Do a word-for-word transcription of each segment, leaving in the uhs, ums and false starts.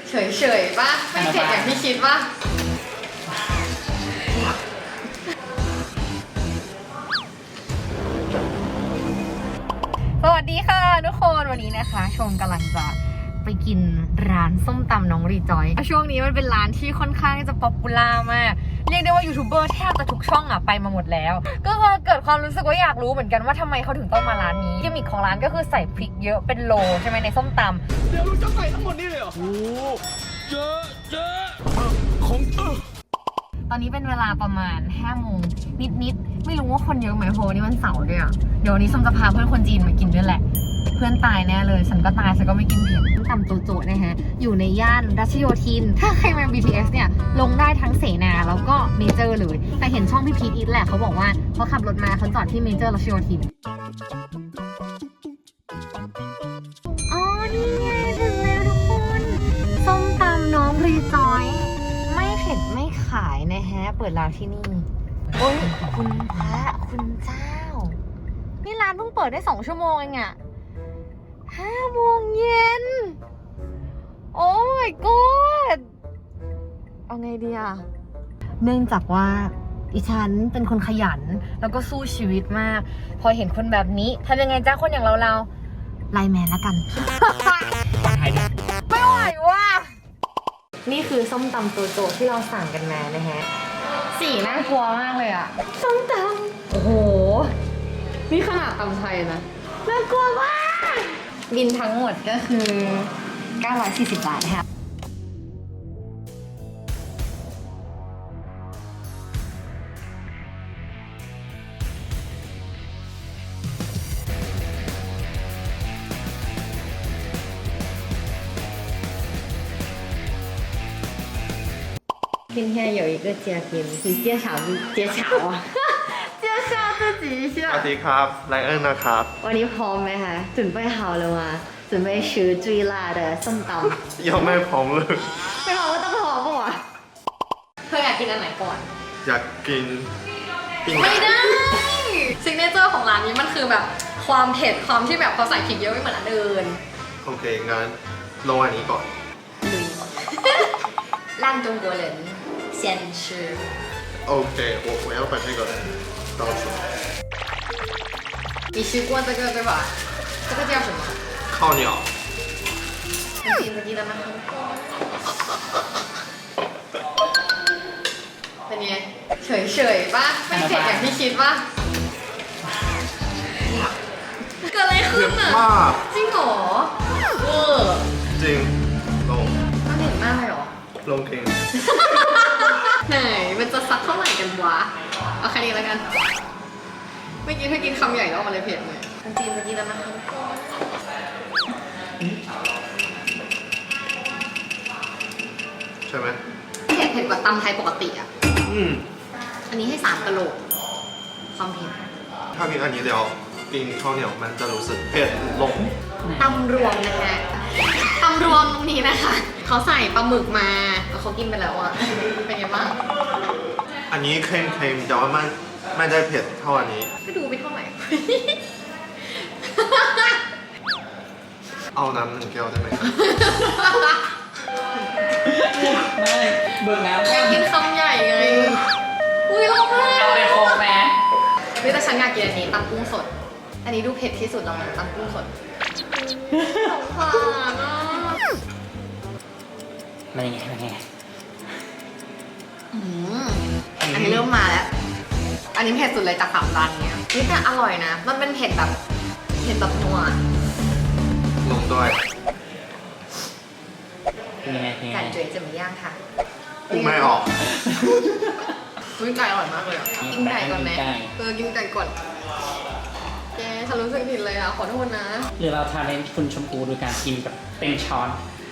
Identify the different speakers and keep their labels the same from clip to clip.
Speaker 1: เฉยๆป่ะไม่เผ็ดอย่างที่คิดป่ะสวัสดีค่ะทุกคนวันนี้นะคะชมกำลังจะไปกินร้านส้มตำน้องรีจอยช่วงนี้มันเป็นร้านที่ค่อนข้างจะป๊อปปูล่ามากเรียกได้ว่ายูทูบเบอร์แทบจะทุกช่องอะไปมาหมดแล้วก็เกิดความรู้สึกว่าอยากรู้เหมือนกันว่าทำไมเขาถึงต้องมาร้านนี้กิมมิคของร้านก็คือใส่พริกเยอะเป็นโลใช่ไหมในส้มตำ
Speaker 2: เดี๋ยวลูกจะใส่ทั้งหมดนี่เลยเหรอโอ้เยอะเยอะของเออ
Speaker 1: ตอนนี้เป็นเวลาประมาณห้าโมงนิดๆไม่รู้ว่าคนเยอะไหมเพราะวันนี้วันเสาร์ด้วยอะเดี๋ยววันนี้ส้มจะพาเพื่อนคนจีนมากินด้วยแหละเพื่อนตายแน่เลยฉันก็ตายฉันก็ไม่กินเผ็ดส้มตำโจโจนะฮะอยู่ในย่านรัชโยธินถ้าใครมา บี ที เอส เนี่ยลงได้ทั้งเสนาแล้วก็เมเจอร์เลยแต่เห็นช่องพี่พีทอีทแหละเขาบอกว่าเขาขับรถมาเขาจอดที่เมเจอร์รัชโยธินอ๋อนี่ไงถึงแล้วทุกคนส้มตำน้องรีจอยไม่เผ็ดไม่ขายนะฮะเปิดร้านที่นี่โอ้ยคุณพระคุณเจ้านี่ร้านเพิ่งเปิดได้สองชั่วโมงเองอะห้าโมงเย็นโอ้ my god เอาไงดีอะเนื่องจากว่าดิฉันเป็นคนขยันแล้วก็สู้ชีวิตมากพอเห็นคนแบบนี้ทำยังไงจ้าคนอย่างเราเราไลน์แมนแล้วกันไม่ไหวว่ะนี่คือส้มตำโจโจที่เราสั่งกันมานะฮะสีน่ากลัวมากเลยอะส้มตำโอ้โหนี่ขนาดตำไทยนะน่ากลัวมากบินทั้งหมดก็คือเก้าร้อยสี่สิบบาทค่ะ今天有一个嘉宾，你介绍介绍啊？介绍自己一下。
Speaker 3: สวัสดีครับไลเอิร์นะครับ
Speaker 1: วันนี้พร้อมไหมคะ准备好了吗准备吃最辣的ส้มตำ
Speaker 3: ยังไม่พร้อมเลย
Speaker 1: ไม่พร้อมก็ต้องพร้อมปะวะเธออยากกินอันไหนก่อน
Speaker 3: อยากกินปิ้ง
Speaker 1: ไม่ได้ซิกเนเจอร์ของร้านนี้มันคือแบบความเผ็ดความที่แบบเขาใส่พริกเยอะไม่เหมือนอันอื่น
Speaker 3: โอเคงั้นลงอันนี้ก่อน
Speaker 1: 让中国人先吃
Speaker 3: OK我我要把这个倒出来
Speaker 1: 你吃过这个对吧这个叫什么
Speaker 3: 靠鸟
Speaker 1: 你记不记得吗เป็นไงเฉยๆป่ะไม่เผ็ดอย่างที่คิดป่ะเกิดอะไรขึ้นอ่ะจริงเหรอเออ
Speaker 3: จริงลง
Speaker 1: มันเผ็ดมากเลยเหรอ
Speaker 3: ลงเอง
Speaker 1: ไหนมันจะซักเท่าไหร่กันวะเอาแค่นี้แล้วกันเมื่อกี้เธอกินคำใหญ่แล้วมันเลยเผ็ดเลยจริงเมื่อกี้แล้วมั้ง
Speaker 3: ใช่ไหม
Speaker 1: เผ็ดเผ็ดกว่าตำไทยปกติอ่ะ
Speaker 3: อืม
Speaker 1: อันนี้ให้สามกะโหลกความเผ็ด
Speaker 3: ถ้ากินอันนี้เดียวกินข้าวเหนียวมันจะรู้สึกเผ็ดลง
Speaker 1: ตำรวมนะฮะตำรวมตรงนี้นะคะเขาใส่ปลาหมึกมาแล้วเขากินไปแล้วอ่ะเป็นไงบ้าง
Speaker 3: อันนี้เค็มๆแต่ว่ามันไม่ได้เผ็ดเท่าอันนี้
Speaker 1: ก็ดูไปเท่าไหร่
Speaker 3: เอาน้ำหนึ่งแก้วได้ไหมครับ
Speaker 2: ไม่เบิกน้ำ
Speaker 1: อยากกินคำใหญ่ไงอุ้ยร้องไห้
Speaker 2: เอาไปโคกแม่
Speaker 1: นี่แต่ฉันอยากกินอันนี้ตำกุ้งสดอันนี้ดูเผ็ดที่สุดแล้วตำกุ้งสดสงสารอ่ะ
Speaker 2: มันยังไงมันยังไง
Speaker 1: อืมอันนี้เริ่มมาแล้วอันนี้เผ็ดสุดเลยจากสามร้านเนี้ยนี่แต่อร่อยนะมันเป็นเผ็ดแบบเผ็ดแบบนัว
Speaker 3: ลงด้วย
Speaker 2: ยังไงยังไง
Speaker 1: 感觉怎么样คะ
Speaker 3: พูดไม่ออก
Speaker 1: อุ้ยไก่อร่อยมากเลยอ่ะกินไก่ก่อนไหมเออกินไก่ก่อนแกฉันรู้สึกผิดเลยอ่ะขอโทษนะ
Speaker 2: หรือเราทานเป็นคุณชมพูโดยการกินกับเต็มช้อน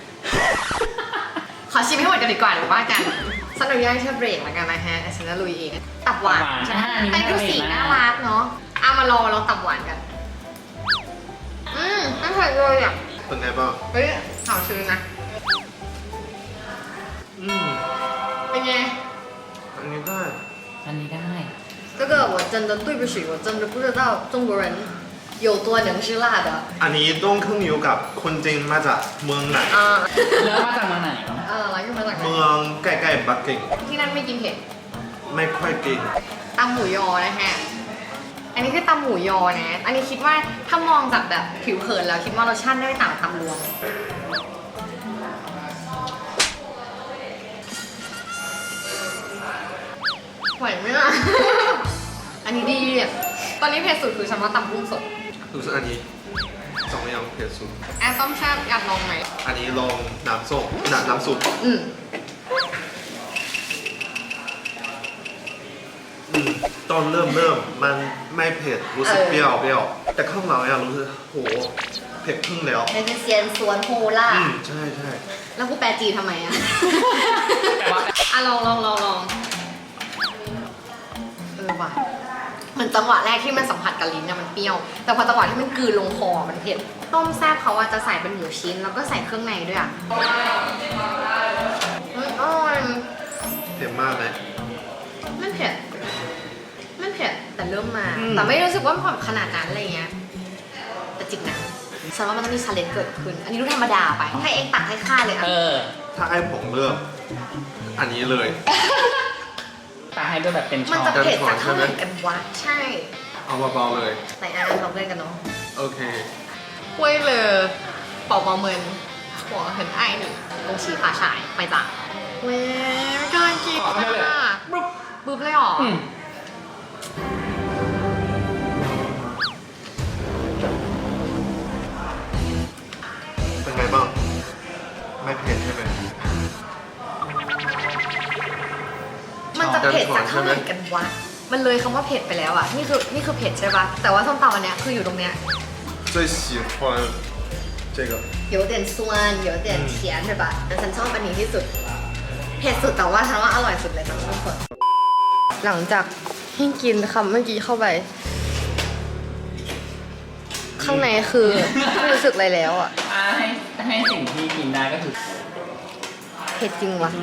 Speaker 1: ขอชิมให้หมดกันดีกว่าหรือว่ากันฉันอนุญาตให้เธอเบรกแล้วกันนะฮะฉันจะลุยเองตับหวานใช่ไหมแต่ดูสีน่ารักเนาะเอามารอเราตับหวานกันอืมน่าทานเลยอ่ะ
Speaker 3: เป็นไงบ้าง
Speaker 1: เฮ้ยหอมชื้นนะ
Speaker 3: อืม
Speaker 1: เป็นไง
Speaker 3: อันนี้ได้
Speaker 2: อันนี้ได้
Speaker 1: 这个我真的对不起我真的不知道中国人有多能吃辣的
Speaker 3: อันนี้ต้องขึ้นอยู่กับคนจีนมาจากเมืองไหน
Speaker 2: แล้วมาจากเมืองไหน
Speaker 3: ปักกิ่ง
Speaker 1: ที่นั่นไม่กินเผ็ด
Speaker 3: ไม่ค่อยกิน
Speaker 1: ตำหมูยอนะฮะ อันนี้คือตำหมูยอนะ อันนี้คิดว่าถ้ามองจากแบบผิวเผินแล้วคิดว่ารสชาติไม่ต่างกับตำรวมไหวไหมล่ะ อันนี้ดีอะตอนนี้เผ็ดสุดคือฉันว่าตำกุ้งสด
Speaker 3: รู้สึกอันนี้สองอย่างเผ็ดสุด
Speaker 1: แอนต้มแซ่บอยากลองไหม
Speaker 3: อันนี้ลองน้ำส้มน้ำน้ำซุป
Speaker 1: อืม
Speaker 3: อืมตอนเริ่มเริ่มมันไม่เผ็ดรู้สึกเปรี้ยวเปรี้ยวแต่ข้างหลังเนี่ยรู้สึกโหเผ็ดครึ่งแล้ว
Speaker 1: เป็นเซียนสวนโฮล่า
Speaker 3: อืมใช่ใช่
Speaker 1: แล้วกูแปลจีนทำไมอะอ่ะลองลองลองลองเออว่ะเหมือนจังหวะแรกที่มันสัมผัสกับลิ้นเนี่ยมันเปรี้ยว แต่พอจังหวะที่มันกลืนลงคอมันเผ็ด ต้มแซ่บเขาอะจะใส่เป็นหมูชิ้นแล้วก็ใส่เครื่องในด้วยอะอืมอร่อย
Speaker 3: เผ็ดมากไหม
Speaker 1: มันเผ็ดมันเผ็ดแต่เริ่มมา
Speaker 3: อืม
Speaker 1: แต่ไม่รู้สึกว่ามันขนาดนั้นอะไรเงี้ย แต่จริงนะฉันว่ามันต้องมีชาเลนจ์เกิดขึ้น อันนี้ดูธรรมดาไป ให้เองตักให้ข้าเลยอะ
Speaker 2: เออ
Speaker 3: ถ้าให้ผมเลือกอันนี้เลย
Speaker 2: ตาให้ด้วยแบบเป็นช้
Speaker 1: มัน
Speaker 2: อ
Speaker 1: จะ
Speaker 2: น
Speaker 1: เผ็ดจากเท่าไหร่กันวะใช่
Speaker 3: เอาเบาๆเลย
Speaker 1: ไหนอ่ะเราเล่นกันเนาะ
Speaker 3: โอเค
Speaker 1: 为了宝宝们我很爱你恭喜发财ไปจ้ะเว้ยไม่กล้ากิน
Speaker 2: ขอให้เลย
Speaker 1: อ่ะ
Speaker 2: ปุ๊บ
Speaker 1: บึ๊บเลยเหรอ
Speaker 2: อืม
Speaker 3: เป็นไงบ้างไม่เผ็ดใช่ไหม
Speaker 1: มันจะเผ็ดจากเท่าไหร่กันวะมันเลยคำว่าเผ็ดไปแล้วอ่ะนี่คือนี่คือเผ็ดใช่ปะแต่ว่าส้มตำอันเนี้ยคืออยู่ตรงเนี้ย
Speaker 3: 最喜欢这个
Speaker 1: 有点酸有点甜ใช่ปะแต่ฉันชอบอันนี้ที่สุดเผ็ดสุดแต่ว่าฉันว่าอร่อยสุดเลยทั้งหมดหลังจากที่กินคำเมื่อกี้เข้าไป ข้างในคือไม่รู้สึกอะไรแล้วอ่ะ
Speaker 2: อ่าให้ให้สิ่งที่กินได้ก็คือ
Speaker 1: เผ็ดจริงวะ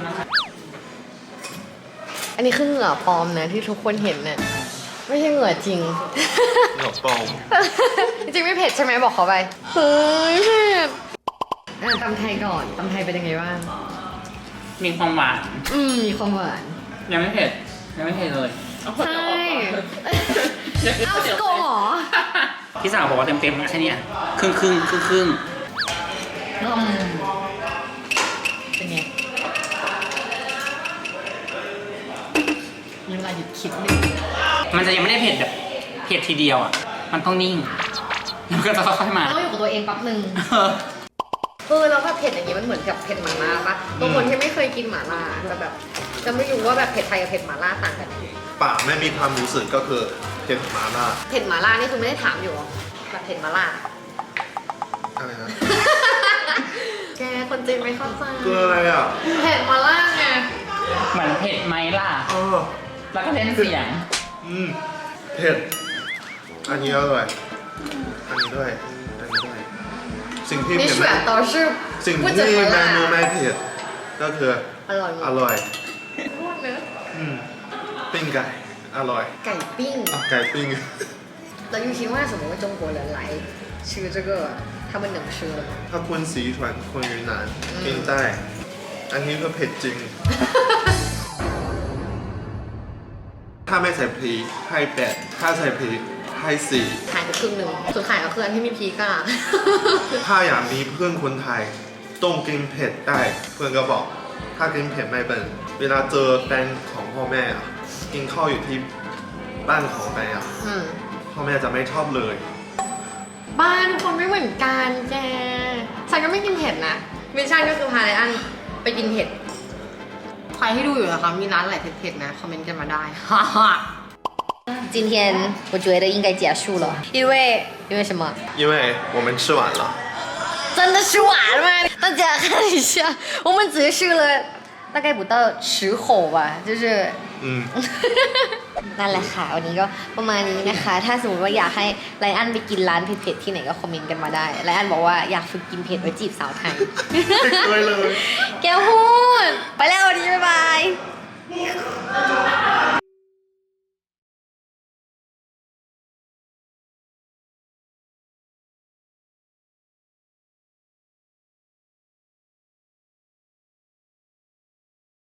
Speaker 1: อันนี้คือเหงื่อปลอมนะที่ทุกคนเห็นเนี่ยไม่ใช่เหงื่อจริง
Speaker 3: เหงื่อปลอม
Speaker 1: จริงๆไม่เผ็ดใช่ไหมบอกเขาไปเฮ้ยเผ็ดอ่ะตำไทยก่อนตำไทยเป็นยังไงบ้าง
Speaker 2: มีความหวาน
Speaker 1: อืมมีความหวาน
Speaker 2: ยังไม่เผ็ด ยังไม่เผ็ดเลยเอาคน
Speaker 1: ใช่
Speaker 2: เดี๋ยวออกก่อน
Speaker 1: เอาสโกเหรอ
Speaker 2: พี่สาวบอกว่าเต็มๆแค่เนี้ยครึ่งครึ่งครึ่งครึ่ง
Speaker 1: อืมเป็นไงมีเวลาหยุดคิดหนึ่ง
Speaker 2: มันจะยังไม่ได้เผ็ดแบบเผ็ดทีเดียวอ่ะ มันต้องนิ่งแล้วมันก็จะค่อยๆมา
Speaker 1: ต้องอยู่กับตัวเองแป๊บหนึ่ง
Speaker 2: เออ
Speaker 1: เออแล้วแบบเผ็ดอย่างนี้มันเหมือนกับเผ็ดหม่าล่าปะบางคนที่ไม่เคยกินหม่าล่าจะแบบจะไม่รู้ว่าแบบเผ็ดไทยกับเผ็ดหม่าล่าต่างกัน
Speaker 3: ปากไม่มีความรู้สึกก็คือเผ็ดมาล่า
Speaker 1: เผ็ดหม่าล่านี่คือไม่ได้ถามอยู่หรอแบบเผ็ดหม่าล่า
Speaker 3: อะไรนะ
Speaker 1: แกคนจีนไม่เข้าใจ
Speaker 3: คืออะไรอ่ะ
Speaker 1: เผ็ดหม่าล่าไง
Speaker 2: เหมือนเผ็ดไหมล่ะ
Speaker 3: เออ
Speaker 2: แล้วก็เล่นเสียง
Speaker 3: อืมเผ็ดอันนี้อร่อยอันนี้ด้วยอันนี้ด้วยสิ่งที่
Speaker 1: 你
Speaker 3: เผ็ด
Speaker 1: 选都是
Speaker 3: สิ่ง
Speaker 1: 不
Speaker 3: ที่
Speaker 1: 怎么
Speaker 3: เมนู
Speaker 1: 辣
Speaker 3: ไม่เผ็ดก็คือ
Speaker 1: อร่อย
Speaker 3: อร่อย
Speaker 1: พูดเนอะ
Speaker 3: อืมปิ้งไก่อร่อย
Speaker 1: ไก่ปิ้ง
Speaker 3: อ่ะไก่ปิ้ง
Speaker 1: แล้วยูคิดว่าสมมติว่า中国人来吃这个他们能吃吗
Speaker 3: ถ้าคนสีถวนคนยูนนานกินได้อันนี้ก็เผ็ดจริง ถ้าไม่ใส่พริกให้แปดถ้าใส่พริกให้สี่
Speaker 1: หายไปครึ่งหนึ่งส่วนขายก็คืออันที่มีพริกอะ
Speaker 3: ถ้าอยากมีเพื่อนคนไทยต้องกินเผ็ดได้ เพื่อนก็บอก ถ้ากินเผ็ดไม่เป็น เวลาเจอแฟนของพ่อแม่อะกินข้าวอยู่ที่บ้านของแฟนอะ
Speaker 1: อืม
Speaker 3: พ่อแม่จะไม่ชอบเลย
Speaker 1: บ้านทุกคนไม่เหมือนกันแกฉันก็ไม่กินเผ็ดนะมิชชั่นก็คือพาไลอันไปกินเผ็ดใครที่ดูอยู่นะคะมีร้านอะไรเผ็ดๆนะคอมเมนต์กันมาได้ ฮ่าฮ่า今天我觉得应该结束了因为因为什么
Speaker 3: 因为我们吃完了
Speaker 1: 真的吃完了吗大家看一下我们只吃了大概不到十口吧就是
Speaker 3: อืม
Speaker 1: นั่นแหละค่ะวันนี้ก็ประมาณนี้นะคะ ถ้าสมมติว่าอยากให้ไลอันไปกินร้านเผ็ดๆที่ไหนก็คอมเมนต์กันมาได้ไลอันบอกว่าอยากฝึกกินเผ็ดไว้จีบสาวไทย
Speaker 3: ไม่เคยเลย
Speaker 1: แก้ว